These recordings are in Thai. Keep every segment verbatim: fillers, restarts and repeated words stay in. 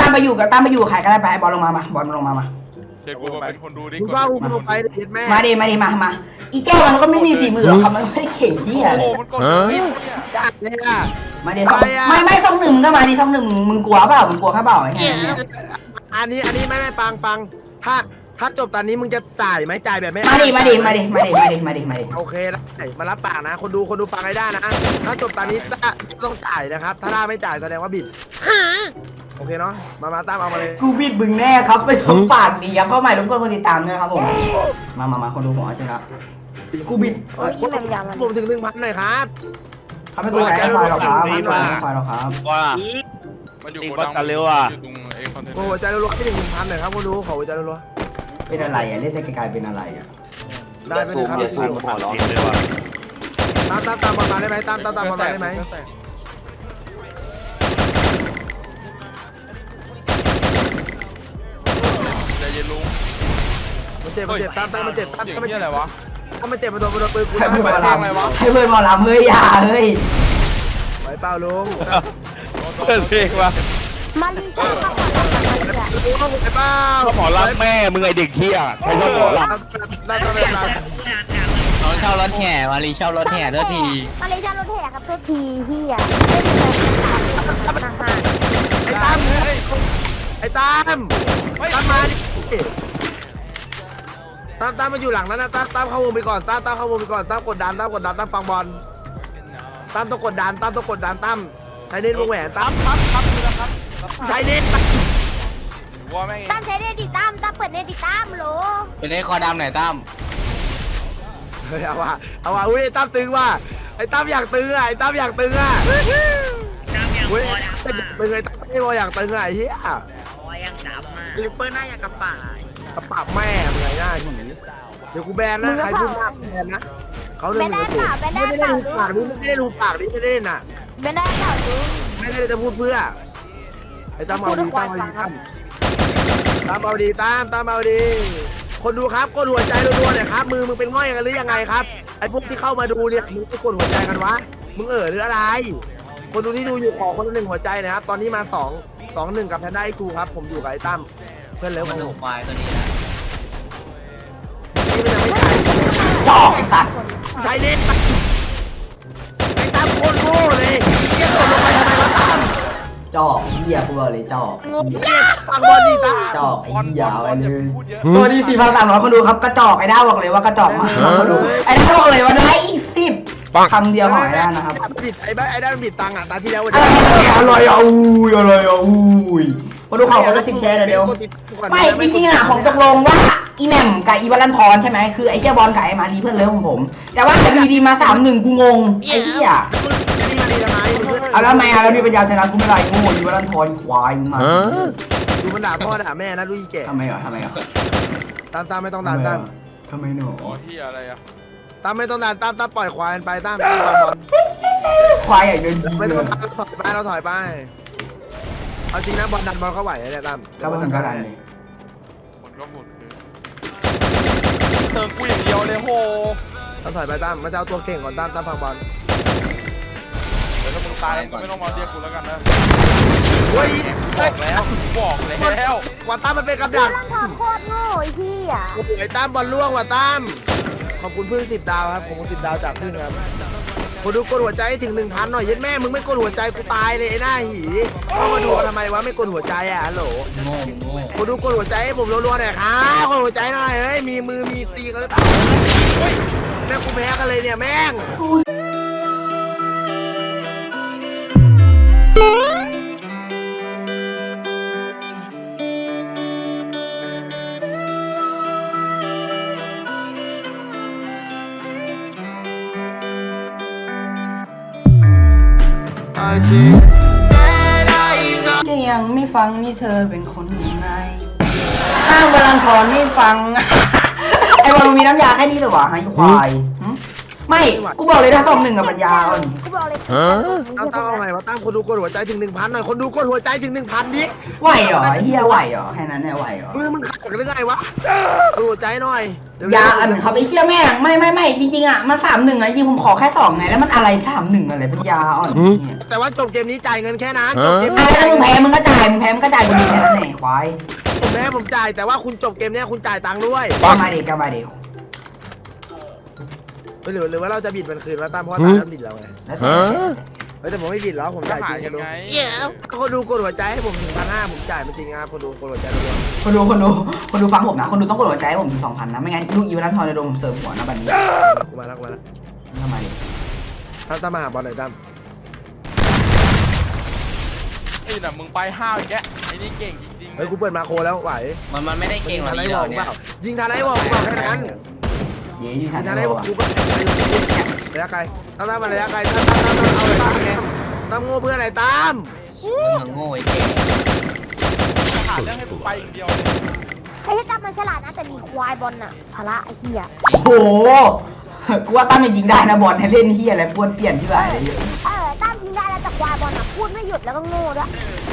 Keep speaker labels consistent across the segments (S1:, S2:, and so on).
S1: ามไปอยู่กับตามไปอยู่กับใครก็ได้ไปบอลลงมามาบอลลงมามา
S2: เดี๋ยวกูมาเป็นคนดูดิ
S3: กูว่ากูลงไปเด็ดแม่
S1: มาดิมาดิมามาอีแก้วมันก็ไม่มีฝีมือหรอกครับมันไม่ได้เก่งที่อะไร
S2: โอ้มันกดเนี่ย
S3: จัดเลยอ่ะ
S1: มาดิไม่ไม่ช่องหนึ่งก็มาดิช่องหนึ่งมึงกลัวเปล่ามึงกลัวข้าเปล่าไอ้เนี่ย
S3: อันนี้อันนี้ไม่ไม่ฟังฟังถ้าถ้าจบตอนนี้มึงจะจ่ายไหมจ่ายแบบไม่
S1: มาดิมาดิมาดิมาดิมาดิมาดิมาดิ
S3: โอเคได้มารับปากนะคนดูคนดูฟังให้ได้นะถ้าจบตอนนี้ต้องจ่ายนะครับถ้าได้ไม่จ่ายแสดงว่าบิดโอเคเนาะมามาตามเอามาเลย
S1: กูบิดมึงแน่ครับไปสมปากดีครับเข้าใหม่ทุกคนคนติดตามด้วยครับผมมามามาคนดูหัวเจ้าครับกูบิด
S3: คนผมถึงหนึ่งพันหน่อยครับ
S1: เขาไม่กูแพ้ไฟหรอกครับไม่ไฟหรอกครับ
S4: ว่า
S2: มันอยู่
S4: ตี
S2: โก
S4: วั
S2: ดั
S4: ด
S2: ง
S4: กันเร็วอ่ะ
S2: อยู่ตรงไอ้คอนเทนเน
S3: โอ้
S2: อร์
S3: หัวใจรัวๆให้ถึงหนึ่งพันหน่อยครับคนดูขอหัวใจรัว
S1: เป็นอะไรอ่ะเล่นแต่ไกลๆเป็นอะไรอ่ะ
S3: ๆได้ไปเลยครับ
S4: ซูมขอร้องเลยว่ะ
S3: ตามตามตามมาได้ไหมตามตามตามมาได้ไหม
S2: ใจเย็นลุง
S3: มันเจ็บมันเจ็บตามตามมันเจ็บตาม
S2: เสียง
S3: ตามมัน
S2: เหี้ย
S3: เจ็
S2: อะ
S3: บ
S2: ไรวะ
S3: ถ้ามันเจ็บมันโดนมันโดนปืนกู
S1: ใช้เพื่อนหมอล
S2: อะไรวะ
S1: ำใช้เพื่อนหมอลำเฮ้ยอย่าเฮ้ย
S3: ไหวเปล่าลุง
S4: เปิดเพลงว่ะ
S5: มาลีชอบข้าวหอมมาลีอ่ะ
S3: ลุงไหวเปล่า
S4: ก็หมอรักแม่มึงไอเด็กเที่ยใครชอบหมอรัก
S3: ได้ได้ได้
S6: น้องเช่ารถแห่มารีเช่ารถแห่เด้อที
S5: มาลีชอบรถแห่ครับตัวทีเฮียเป็นแบบอาหาร
S3: ไอ้ตั้มไอ้ตั้มตั้มมาดิตั้มตั้มมาอยู่หลังนั้นนะตั้มตั้มเข้าวงไปก่อนตั้มตั้มเข้าวงไปก่อนตั้มกดดันตั้มกดดันตั้มฟังบอลตั้มต้องกดดันตั้มต้องกดดันตั้มใช้เน้นวงแหวนตั้ม
S2: ปั๊บปั๊บนี่แหละครับ
S3: ใช้เน้น
S2: ว่าแม่ง
S5: ตั้มใช้เนติตั้มตั้มเปิดเนติตั้มโหล
S6: เป็นไอ้คอดำไหนตั้ม
S3: เฮ้ยเอาว่ะเอาว่ะอุ้ยตั้มตึงว่ะไอ้ตั้มอยากตึงอ่ะไอ้ตั้มอยากตึงอ่ะอุ้ยเป็นเป็นไงตั้มไม่พออยากตึงอ่ะไอ้เหี้ย
S7: ลิปเปอร์หน้าอย่างกับป่าก
S3: ระปากแม่มึงไงหน้าหีเดี๋ยวกูแบนนะใครพูดมากแบนนะเขาหนึ่
S5: ไม่
S3: ง
S5: ได้เปล่าไม่ได้
S3: ไม่
S5: เป
S3: ได้
S5: ล่า
S3: ดู
S5: ลุ
S3: ปาง กนี่ไม่ได้ดูปากนี่ไม่ได้น่ะ
S5: ไม่ได้เปล่าลุง
S3: ไม่ได้จะพูดเพื่อไอ้ตามเอาดีตามเอาดีตามตามเอาดีตามตามเอาดีคนดูครับกดหัวใจรัวๆหน่อยครับมือมึงเป็นง่อยกันหรือยังไงครับไอ้พวกที่เข้ามาดูเนี่ยมึงไม่กดหัวใจกันวะมึงเออหรืออะไร คนดูที่ดูอยู่ขอคนละหนึ่งหัวใจนะครับตอนนี้มาสองสองหนึ่งกับแพนด้าไอคูครับผมอยู่กับไอ้ตั้มเพื่อนเลิฟ
S6: มัน
S3: ผ
S6: ดู
S3: ม
S6: ควายตัวนี้นะ
S3: นี่มันยังไม่จ่าย
S1: จอกไอ้สัตว์
S3: ใช้เน็ตไอ้ตั้มโคตรโง่เลยเยี่ยมคนลงไปทำไมวะตั้ม
S1: จอกเหี้ยกูบอกเลยจอก
S3: โง่เยี่ยฟังบอลดีตั้ม
S1: จอกไอ้เหี้ยไปเลย
S2: พูดเยอะ
S1: ตัวที่สี่พันสามร้อยคนดูครับกระจอกไอ้ด้าบอกเลยว่ากระจอกมากคนดูไอ้ด้าบอกเลยว่าได้อีกสิบคำเดียวของไอ้ด้านะครับ
S3: บิดไอ้บ้าไอ้ด้านบิดตังค์อ่ะตาที่แล้ววัน
S1: อะไรอะไรอ่ะอุ้ยอะไรอ่ะอุ้ยคนดูขอคนละสิบแชร์เดี๋ยวไม่จริงๆอ่ะผมตกลงว่าอีแหม่มกับอีบอลลันทอนใช่ไหมคือไอ้เจ้าบอลกับไอ้มาดีเพื่อนเลิฟของผม แต่ว่าดีดีมาสามหนึ่งกูงงไอ้เหี้ย
S3: นี่มาดีทำไม
S1: เอาแล้วทำไมอ่ะแล้วมีปัญญาชนะกูไม่ได้โง่อีบอลลันทอนควายมึงมา
S3: ดูมันด่าพ่อด่าแม่นะดูอีแก่
S1: ทำไมอ่ะทำไมอ่ะ
S3: ตามตามไม่ต้องด่าตาม
S1: ทำไมหนู
S2: อ๋อที่อะไรอ่ะ
S3: ตามไม่ต้องด่าตามตามปล่อยควายไปตามตามบอล
S1: ควายอย่างเดิน
S3: ไม่ต้องตามถอยไปเราถอยไปเอาจริงนะบอลดันบอลเข้าไหวเนี่ยตาม
S1: ก็มันก็ได้
S2: คนก็พูดเติมกูอย่างเดียวเลยโห
S3: ต้องถอยไปตามมาจะเอาตัวเก่งก่อนตามตามพังบอล
S2: เดี๋ยวถ้ามึงตายก็ไม่ต้องมาเรียกกูแล้วกันนะ
S3: เฮ้ย
S2: บอกแล้วบอกแล้ว
S3: ว่าตามมันเป็นกับดัก
S5: ร่างทองโคตรโง่ไอ้พี่อ่ะ
S3: โอ้ยไอ้ตามบอลล่วงว่ะตามขอบคุณพึ่งสิบดาวครับขอบคุณสิบดาวจากพึ่งครับคนดูกดหัวใจถึงหนึ่งพันหน่อยยัดแม่มึงไม่กดหัวใจกูตายเลยไอ้หน้าหีเข้ามาดูทำไมวะไม่กดหัวใจอ่ะฮัลโหล
S6: โง่โง่
S3: คนดูกดหัวใจให้ผมรัวๆหน่อยครับกดหัวใจหน่อยเฮ้ยมีมือมีตีกันหรือเปล่าเฮ้ยแม่งกูแพ้กันเลยเนี่ยแม่ง
S1: จะยังไม่ฟังนี่เธอเป็นคนยังไงอ้างบอลลันทอนไม่ฟัง ไอ้บอลมีน้ำยาแค่นี้เหรอวะไอ้ควายไม่กูบอกเลยถ้าสองหนึ่งกับปัญญาอ่อน
S5: กูบอกเลย
S3: ตั้มตั้มเอาไงวะตั้มคนดูกดหัวใจถึงหนึ่งพันหน่อยคนดูกดหัวใจถึงหนึ่งพันดิ
S1: ไหวเหรอเฮียไหวเหรอแค่นั้นแหละไหวเหรอ
S3: มือมึงขัดกันหรือไงวะกดหัวใจหน่อย
S1: ยาอันเขาไปเชี่ยแม่งไม่ไม่ไม่จริงๆอ่ะมันสามหนึ่งอ่ะจริงผมขอแค่สองไงแล้วมันอะไรสามหนึ่งอะไรปัญญาอ่อน
S3: แต่ว่าจบเกมนี้จ่ายเงินแค่นั้นจบเกม
S1: อ่ะ
S3: นี้
S1: ถ้ามึงแพ้มึงก็จ่ายมึงแพ้มึงก็จ่ายมึงมีแค่าย
S3: ผมแม่ผมจ่ายแต่ว่าคุณจบเกมเนี้ยคุณจ่ายตังค์ด้วย
S1: ก็มาดิก็มาดิ
S3: หรือหรือว่าเราจะบิดมันคืนว่าตามเพราะว่าตามแล้วบิดเราไง
S1: แล้วแต่
S3: เฮ้ยแต่ผมไม่บิดแล้วผม
S2: จะ
S3: จ่ายจ
S2: หา
S3: ริง
S2: ยั
S3: คน
S2: ง
S3: ดู
S2: ไง
S3: ถ้าคนดูกดหัวใจให้ผมถึงพันห้าผมจ่ายมันจริงครับคนดูกดหัวใจรัว
S1: คนดูคนดูคนดูฟังผมนะคนดูต้องกดหัวใจให้ผมถึงสองพันนะไม่งั้นลูกอีวารันทอนจะโดนผมเสิร์ฟหัวนะบัดนี้
S3: ๆกูมาแล้วกูมาแล้ว
S1: ทำไมดิ
S3: ตามตามมาหาบอลหน่อยตาม
S2: ไอ้น่ะมึงไปห้าวอีกแกไอ้นี่เก่งจริงๆเล
S3: เฮ้ย
S2: ย
S3: กูเปิดมาโคแล้วไหว
S6: มันมันไม่ได้เก่ง
S3: ยิง
S6: กว่า
S3: ทันไอ้
S6: นี้
S3: ว
S6: หร
S3: อ
S6: อ
S3: ล
S6: ก
S3: เป
S6: เนี่ย
S3: ล่ายิงทันไอ้วอลเปล่าแค่นั้น
S1: เย้ยูทั
S3: ยิ
S1: น
S3: งทัน
S1: ได้
S3: ไอ้ว
S1: บ
S3: อ
S1: อ
S3: ล
S1: ก
S3: กูก็ระยะไกลตามตามมาระยะไกลตามตามตามเอาเลยตามตามโง่เพื่อนไหนตาม
S6: มึงโง่ไอ้เก่ง
S2: หาเรื่องให้กูไปอย่างเดียว
S5: ไอ้ที่ตั้มมันฉลาดนะแต่มีควายบอลน่ะพละไอ้เหี้ย
S1: โอ้โหกูว่าตั้มจะยิงได้นะบอลให้เล่นเฮียอะไรป้วนเปลี่ยนที่ไหน
S5: เออตั้มยิงได้แล้วแต่ควายบอลน่ะพูดไม่หยุดแล้วก็โง่ด้วย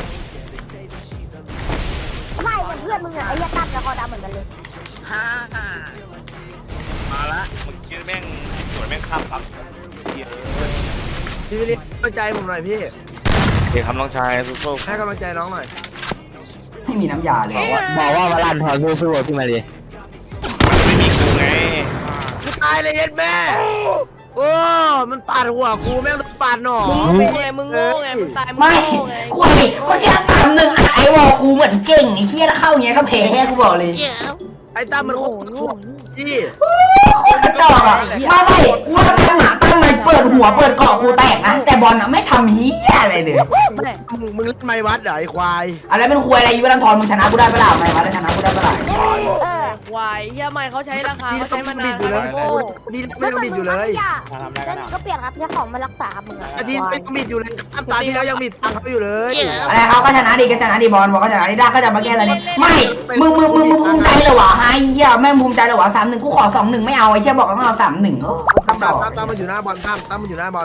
S5: ไม่เหมือนเพื่อนมึงอะไอ้เหี้ยตั้มแล้วก็ดำเหมือนกันเลย
S7: ฮ่าฮ่า
S4: มาละมึงคิดแม่งสวยแม่งข้ามครับ
S3: พี่วิลลี่กำลังใจผมหน่อยพี่
S4: เด็กคำน้องชายสู้
S3: ให้กำลังใจน้องหน่อย
S1: ไม่มีน้ำยาเลย
S6: บอกว่าบอกว่ามาลันทอนสู้ๆพี่มาดิ
S4: ๆไม่มีกูไง
S3: กูตายเลยเย็ดแม่โอ้มันปาดหัวกูแม่งโดนปาดหน่อ
S8: มึงโง่ไงมึงโง่ไงมึงตายมึง
S1: ไม่
S8: โง่ไง
S1: คุยเมื่อกี้สามหนึ่งอัดไอวอลกูเหมือนเก่งไอ้เฮียแล้วเข้าอย่างเงี้ยก็แพ้กูบอกเลย
S3: ไอ้ตั้มมันโคตรถ่วงพี่
S1: โคตรกระจอกอ่ะไม่ไม่กูว่าตั้งหมาตั้งมันเปิดหัวเปิดเกาะกูแตกนะแต่บอลอ่ะไม่ทำเฮียอะไรเลย
S3: มึงมึงเล่นไม้วัดเหรอไอ้ควาย
S1: อะไรเป็นควยอะไรยูรันทอนมึงชนะกูได้เปล่าไม่มาแล้วชนะกูได้เปล่า
S5: เออ
S8: วายเฮียไม่เขาใช้ราคาเขาใช้มานาน
S3: อยู่เลย
S8: โง่
S3: ดีไม่ต้องบิดอยู่เลย
S5: แล้วมึงก็เปลี่ยนครับใช้ของมารักษามึงอะ
S3: อาทิตย์ไม่ต้องบิดอยู่เลยครับตาที่แล้วยังบิดตังเขาอยู่เลย
S1: อะไรเขาก็ชนะดีก็ชนะดีบอลบอกก็ชนะดีได้ก็จะมาแก้อะไรไม่มึงมึงมึงมึงภูมิใจเหรอวะไอ้เหี้ยแม่งภูมิใจเหรอวะสามหนึ่งกูขอสองหนึ่งไม่เอาไอ้เหี้ยบอกว่าเอาสามหนึ่งโอ้กระจ
S3: ตั้
S1: อ
S3: ม
S1: ก
S3: ตั้มตั้มมันอยู่หน้าบอลตั้มตั้มมันอยู่หน้าบอล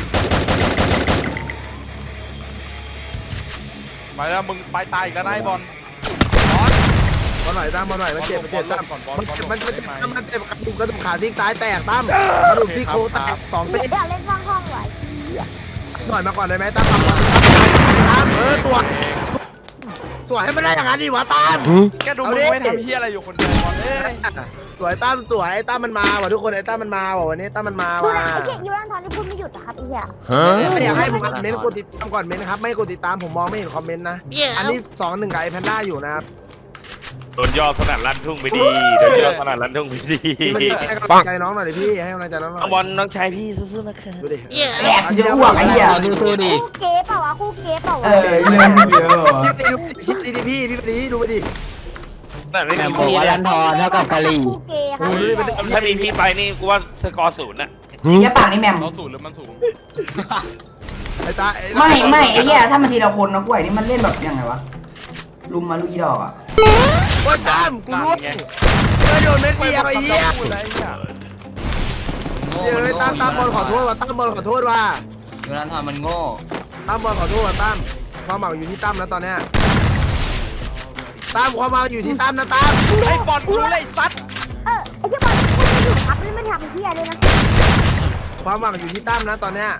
S2: มาแล้วมึงไปตายอีกแล้วนะไอ้บอล
S3: บอลหน่อยตั้มบอลหน่อยมันเจ็บมันเจ็บตั้มมันเจ็บมันเจ็บมันเจ็บกระดูกกระดูกขาที่ซ้ายแตกตั้มกระดูกที่โคแตกสอง
S5: เดี๋
S3: เส้
S5: ยวน เดี๋ยวเล่นสร้างห้องไว้
S3: หน่อยมาก่อนได้ไหมตั้มตั้มเออตัวสวยให้มันได้อย่างนั้นดิวะตั้ม
S2: แกดูมึงไม่ทำเฮียอะไรอยู่คนเดียวบอลเอ้ย
S3: สวยตั้มสวยไอ้ตั้มมันมาว่ะทุกคนไอ้ตั้มมันมาว่ะวันนี้ตั้มมันมา
S5: ดู
S3: ว่ะ
S5: นะไอ้เหี้ยยูรันทอนที่พูดไม่หยุดนะครับไอ้เหี้ย
S3: ไม่อยากให้ผมเม้นกดติดตามก่อนเม้นนะครับไม่กดติดตามผมมองไม่เห็นคอมเมนต์นะอันนี้สองหนึ่งกับไอ้แพนด้าอยู่นะครับ
S4: โดนย่อสนั่นลั่นทุ่งไปดีโดนย่อสนั่นลั่นทุ่งไปดี
S3: พี่มันให้กำลังใจน้องหน่อยดิพี่ให้กำลังใจน้องหน่อย
S4: เอาบอลน้องชายพี่สู้ๆนะคะ
S3: ดูดิ
S1: แอบจะอ้วกไอ้เหี้ย
S6: สู้ๆดิ
S5: คู่เก๋เปล่าวะคู่เก๋เปล่าวะ
S1: เออเรื่องเยอะ
S3: คิดดีดิพี่พี่ไปดิดูไปดิ
S4: นั่นไม่
S6: แม่
S4: มี
S6: บอกว่าลันทอนเท่ากับกะหรี่
S5: คู่เก๋ครับ
S4: ถ้ามีพี่ไปนี่กูว่าสกอร์ศูนย์นะ
S1: อย่าปากนี่แมม
S2: เราสูงหรือมันสูง
S3: ไอ้ตา
S1: ไม่ไม่ไอ้เหี้ยถ้ามันทีละคนนะกล้วยนี่มันเล่นแบบยังไงวะลุมมาลูกอีดอกอ่ะ
S3: โอ้ยตามกูรู้เออโดนเม็ดเดียวไอ้เหี้ย
S2: พูดอะไรเนี่ย
S6: โง่
S3: เดี๋ยว
S6: มัน
S3: ไอ้
S6: โง่
S3: ตามตามบอลขอโทษว่ะตามบอลขอโทษว่ะ
S6: ยูรันทอนมันโง่
S3: ตามบอลขอโทษว่ะตามความหมายอยู่ที่ตั้มนะตอนเนี้ยตามความหมายอยู่ที่ตั้มนะตาม
S2: ไอ้บอลกูรู้เลยไอ้สัตว์
S5: เออไอ้เหี้ยบอลพูดไม่หยุดครับนี่ไม่ทำเหี้ยเลยนะ
S3: ความหวังอยู่ที่ตั้มนะตอนเนี้ย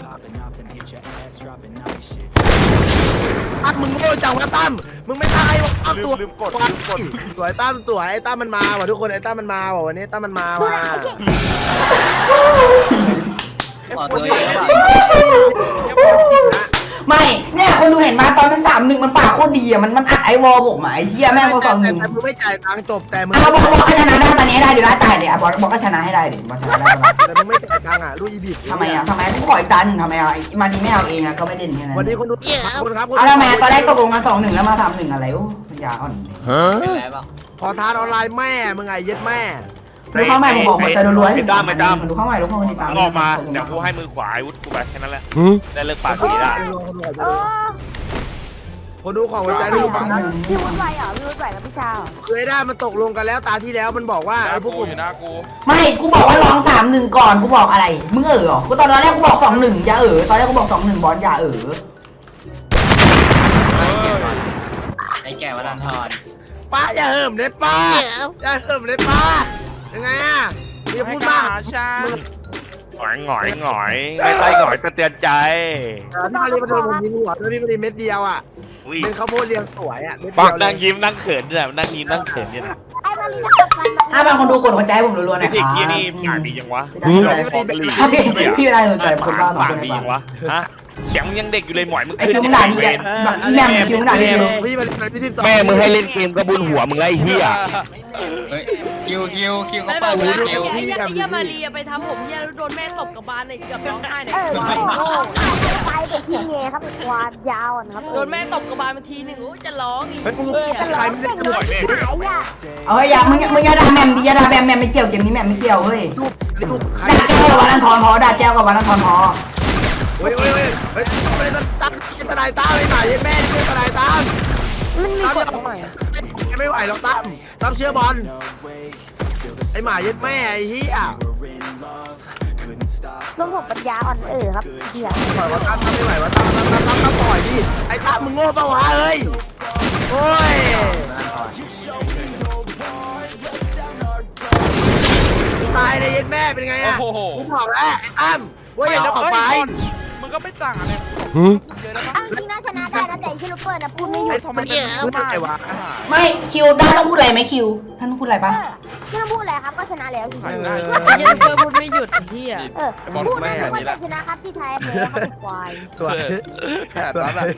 S3: ตั้มมึงโง่จังวะตั้มมึงไม่ตายว่ะตั้ม
S2: ลื
S3: ตัว
S2: มลืมกดลืมกด
S3: สวยตั้มสวยไอ้ตั้มมันมาว่ะทุกคนไอ้ตั้มมันมาว่ะวันนี้ตั้มมันมา
S5: ดู
S3: ว่ะ
S5: นะไอ้เหี้ย
S6: บอกตัวเองว่า
S1: ไม่เนี่ยคนดูเห็นมาตอนเป็นสามหนึ่งมันปากโคตรดีอ่ะมันมันอัดไอวอลผมไอ้เหี้ยแม่งก็สองหนึ่ง
S3: แต่มึงไม่จ่ายตังค์จบแต่มึง
S1: อ่ะบอกบอกก็ชนะได้ตอนนี้ได้เดี๋ยวได้ตายเดี๋ยวบอกบอกก็ชนะให้ได้เดี๋ยวบอกชนะได้ปะ
S3: แต่มึงไม่จ่ายตังค์อ่ะลูกอีบิด
S1: ทำไมอ่ะทำไมกูขออีกตาหนึ่งทำไมอ่ะมาดีไม่เอาเองอ่ะก็ไม่เล่นแค่นั้น
S3: วันนี้คนดูคนครับ
S1: เอาทำไมตอนแรกตกลงกันสองหนึ่งแล้วมาสามหนึ่งอะไรโอ้ปัญญาอ่อน
S6: เป็นไรเปล่า
S3: ขอทานออนไลน์แม่มึงไงยึดแม่
S1: ดูเข้าใหม่ผมบอกหัวใจรัวๆให้ดูเข้าใหม่ดูเข้ามาติดตาม
S4: ออกมาเดี๋ยวกูให้มือขวาอาวุธกูไปแค่นั้นแหละได้เลิกปากดีละ
S5: เออ
S3: คนดูของหัวใจลูก
S5: พี่วุ้นไหวเหรอพี่วุ้นไหวกับพี่ชาว
S3: คือไอ้ด้ามันตกลงกันแล้วตาที่แล้วมันบอกว่า
S2: หน้า
S3: ไอ้พวก
S2: กู
S3: ผม
S2: อยู่หน้ากู
S1: ไม่กูบอกว่าลองสามหนึ่งก่อนกูบอกอะไรมึงเออหรอกูตอนแรกกูบอกสองหนึ่งอย่าเออตอนแรกกูบอกสองหนึ่งบอลอย่าเออ
S6: ไอ้แก่ว่าลันทอน
S3: ป้าอย่าเหิมเลยป้าอย่าเหิมเลยป้ายังไงอ่ะมึงจะพูดมาก
S2: ชา
S4: หงอยหงอยหงอยไม่ใช่หงอยก็เตือนใจ
S3: พี่มารีมาโดนผมยิงหัวด้วยพี่มารีเม็ดเดียวอ่ะ
S4: อุ้ย
S3: เป็นข้าวโพดเรียงสวยอ่ะ
S4: ปักนั่งยิ้มนั่งเขินเนี่ยนั่งยิ้มนั่งเขินเนี่ยนะ
S5: ไอ้มารีนะครับมัน
S1: ถ้าบางคนดูกดหัวใจให้ผมรัวๆหน่
S4: ไอ้
S1: อยค
S4: เด็ก
S1: รับ
S4: เยี่ยนี่ปากดีจังวะ
S1: พี่
S4: เรา
S1: ได้
S4: พอกะหรี่
S1: พี่พี่ไม่ได้สนใจคนบ้าสอง
S4: ปา
S1: ค
S4: ก
S1: น
S4: ดี
S1: ใน
S4: จังวะฮะเสียงมึงยังเด็กอยู่เลยหมอยมึง
S1: ไอ้คิวมึงด่าดีอ่ะแบบอีแมมคิวมึงด่าดีเลย
S3: พี่มาพี่ทิม
S4: แม่มึงให้เล่นเกมกระบุญหัวมึงไอ้เหี้ย
S6: เฮ้ยคิวคิวคิวเขา
S8: ไม่แบ
S6: เปิด
S8: บ
S6: หู
S8: ว่า
S6: ดู
S8: ไอ้เหี้ยไอ้เหี้ยมารีไปทำผมเหี้ยแล้วโดนแม่ตบกับบานเลยเกือบร้องไห้เนี่ย
S5: เออ
S8: ควายโง่
S5: ไปไปทีเงครับควานยาวอ่ะครับ
S8: โดนแม่ตบกับบานมาทีหนึ่งโอ้จะร้องอีก
S3: เฮ้ยมึง
S5: เออจะ
S3: ใค
S5: ร้
S3: ร
S5: อง
S3: ไม่ได้
S5: เก่ง
S3: ดู
S5: เลยหายอ่ะ
S1: เอาเฮ้ยอย่ามึงมึงอย่าด่าแมมดิอย่าด่าแมมแมมไม่เกี่ยวเกมนี้แมมไม่เกี่ยวเฮ้ย
S3: รูปรูปใคร
S1: ด่าแก้วกับวันนันทอนพอด่าแก้วกับวันนันทอนพอ
S3: เฮ้ยเฮ้ยเฮ้ยเฮ้ยไม่ได้ตั้งทนายตั้มไม่ไหวแม่ไม่ทนายตั้ม
S5: มันมี
S3: ตั้ม
S5: กฎใหม่
S3: ไม่ไหวหรอกตั้มตั้มเชื่อบอลไอหมาเย็ดแม่ไอ้เหี้ย
S5: รวมผมปัญญาอ่อนเออครับเหี้ย
S3: ปล่อยว่าตั้มตั้มไม่ไหวว่าตั้มตั้มตั้มตั้มตั้มปล่อยดิไอ้ตั้มมึงโง่เปล่าวะเฮ้ยโอ้ยตายเลยเย็ดแม่เป็นไงอะ
S2: โอ้โห
S3: กูบอกแล้วไอ้ตั้มว่าอย่าเอาออกไป
S2: มึงก็ไม่ต่างอะไรเยอะแล้วมั้ง
S5: เอาจริงนะชนะได้นะแต่ที่ลูกเปิดนะพูดไม่หยุ
S3: ไอ้
S5: ด
S3: ทอมมันเยอะมากไอ้วะ
S1: ไม่คิวด้าต้องพูดอะไรไหมคิวท่านต้องพูดอะไร
S5: เอ
S1: ปะ
S5: อที่เราพูดแหละครับก็ชนะแล้ว
S2: ใครได้
S8: ไอ้เหี้ยเพื่อพูดไม่หยุดไอ้เหี้ย
S5: เออพูดได้ทุกคนแต่ชนะครับพี่ไทยแพ้ครับควาย
S3: สวย
S2: แผนนั้นอ่ะ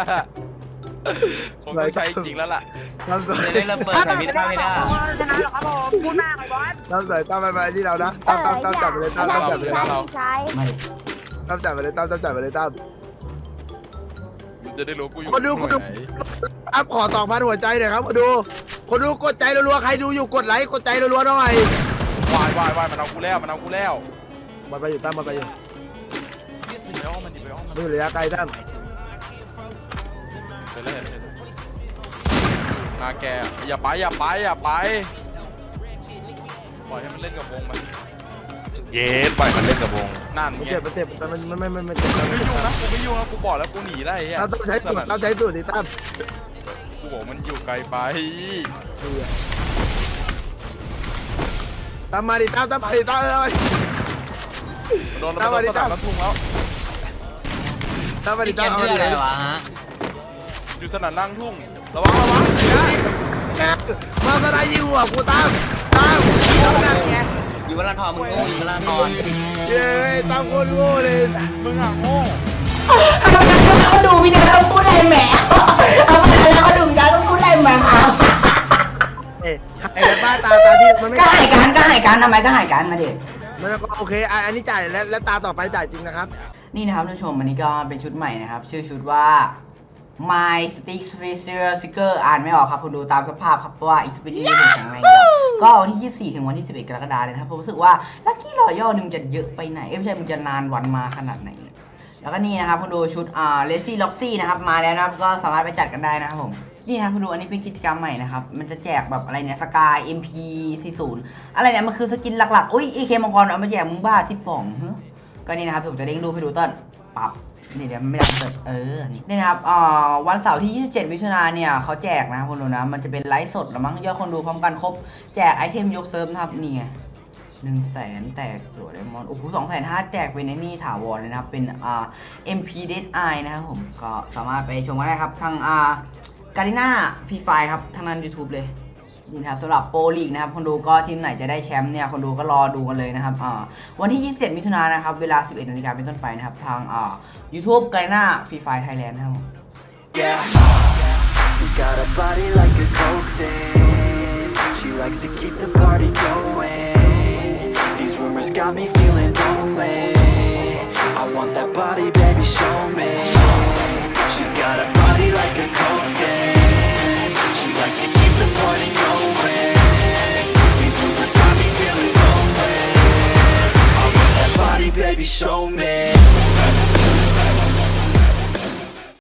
S2: คงต้องใช้จริงแล้วล่ะ
S3: ตั้มสวย
S6: จะได้เริ่มเปิดสวิตช์ไม่ได้
S5: ชนะหรอครับผมพูดมากเลยบอส
S3: ตั้มสวยตั้มไปไปที่เรานะ
S5: เอ
S3: ตั้ม
S5: อ
S3: ตั้มตั้มจับไปเลยตั้ม
S5: ใช่
S3: ตั้มจับไป
S5: พี่
S3: เลย
S5: ชายพี่ชาย
S1: ไม่
S3: ตั้มจับไปเลยตั้มตั้มจับไปเลยตั้ม
S2: มึงจะได้รู้กูอยู่
S3: คนดู
S2: หน่วย
S3: คนดู
S2: ไหน
S3: อัพขอสองพันหัวใจหน่อยครับคนดูคนดูกดใจรัวๆใครดูอยู่กดไลค์กดใจรัวๆหน่อยว
S2: ายวายวายมันเอากูแล้วมันเอากูแล้ว
S3: มันไปอยู่ตั้มมันไปอยู่
S2: ไปห้องมันดิไปห้องมัน
S3: ไม่อยู่ระยะไกลตั้ม
S2: ไปเลยนาแกอย่าไปอย่าไปอย่าไปปล่อยให้มันเล่นกับวงมัน
S4: เย้ปล่อยมันเล่นกับวง
S2: นั่น
S3: มัน
S2: ไง
S3: เจ็บมันเจ็บแต่มันมันมันมันเจ็บ
S2: ไม่ยุ่งนะกูไม่ยุ่งนะกูบอกแล้วกูหนีได้ไอ้เหี้ย
S3: ตั้มต้องใช้สูตรตั้มใช้สูตรดิตั้ม
S2: กูบอกมันอยู่ไกลไป
S3: ตั้มมาดิตั้มตั้มมาดิตั้มเลย
S2: มันโดนมันโดนสนามแล้วทุ่งแล้ว
S3: ตั้มมาดิ
S6: พี่เก
S3: ตั้ม
S6: ม
S3: เอา
S6: ชื่อ
S3: ดิ
S6: อะไรวะฮะ
S2: อยู่สนามล่างทุ่งระวังระวัง
S3: มาสไลด์ยิงหัวกูตั้มตั้มตั้มนั่นไง
S6: อยู่วันละทอนมึงโง่อยู่วันละทอน
S3: เย้ตั้มโคตรโง่เลย
S2: มึงอ่ะโง่
S1: เขาดูพี่ดาต้องพูดอะไรแหมเอาไปแล้วเขาดูพี่ดาต้องพูดอะไรแหม
S3: เอ้ไอ้บ้าตาตาที่มันไม่
S1: ก็หายการก็หายการทำไมก็หายการมาเด็ก
S3: มันก็โอเคอันนี้จ่ายและและตาต่อไปจ่ายจริงนะครับ
S1: นี่นะครับท่านผู้ชมอันนี้ก็เป็นชุดใหม่นะครับ ชื่อชุดว่า My Stick Special Sticker อ่านไม่ออกครับคุณดูตามสภาพครับเพราะว่า Xperia ถึงแข็งแรงแล้วก็วันที่ยี่สิบสี่ถึงวันที่สิบเอ็ดกรกฎาคมเลยนะครับผมรู้สึกว่าลัคกี้รอยัลนึงจะเยอะไปไหนเอ้ยไม่ใช่มันจะนานวันมาขนาดไหนเนี่ยแล้วก็นี่นะครับคุณดูชุดอ่า Lazy Loxy นะครับมาแล้วนะครับก็สามารถไปจัดกันได้นะครับผมนี่นะครับคุณดูอันนี้เป็นกิจกรรมใหม่นะครับมันจะแจกแบบอะไรเนี่ยสกาย เอ็ม พี สี่สิบ อะไรเนี่ยมันคือสกินหลักๆอุ้ย เอ เค มังกรเอามาแจกมึงบ้าที่ป่องเฮ้ยก็นี่นะครับผมจะเด้งรูปให้ดูต้นปับนี่เดี๋ยวไม่ได้เปิดเออนี่นี่นะครับอ่าวันเสาร์ที่ยี่สิบเจ็ดมิถุนายนเนี่ยเขาแจกนะครับคุณดูนะมันจะเป็นไลฟ์สดแล้วมั้งยอดคนดูพร้อมกันครบแจกไอเทมยกเซิร์ฟนะครับนี่ไงหนึ่งแสนแตกตัวไดมอนด์โอ้โหสองแสนห้าแจกเป็นในนี่ถาวรเลยนะครับเป็นอ่า เอ็ม พี Dead Eye นะครับผมก็สามารถไปชมกันได้ครับทางอ่าการิน่าฟรีไฟครับทางนั้น YouTube เลยนี่นะครับสำหรับโปรลีกนะครับคนดูก็ทีมไหนจะได้แชมป์เนี่ยคนดูก็รอดูกันเลยนะครับอ่าวันที่ยี่สิบเจ็ดมิถุนายนนะครับเวลาสิบเอ็ดนาฬิกาเป็นต้นไปนะครับทางอ่า YouTube การิน่าฟรีไฟไทยแลนด์นะครับ
S9: Yeah, she got a body like a coke thing. She likes to keep the party going. These rumors got me feeling lonely. I want that body, baby, show me. She's got a body like a coke thing. She likes to keep the party going. These rumors got me feeling lonely. I want that body, baby, show me.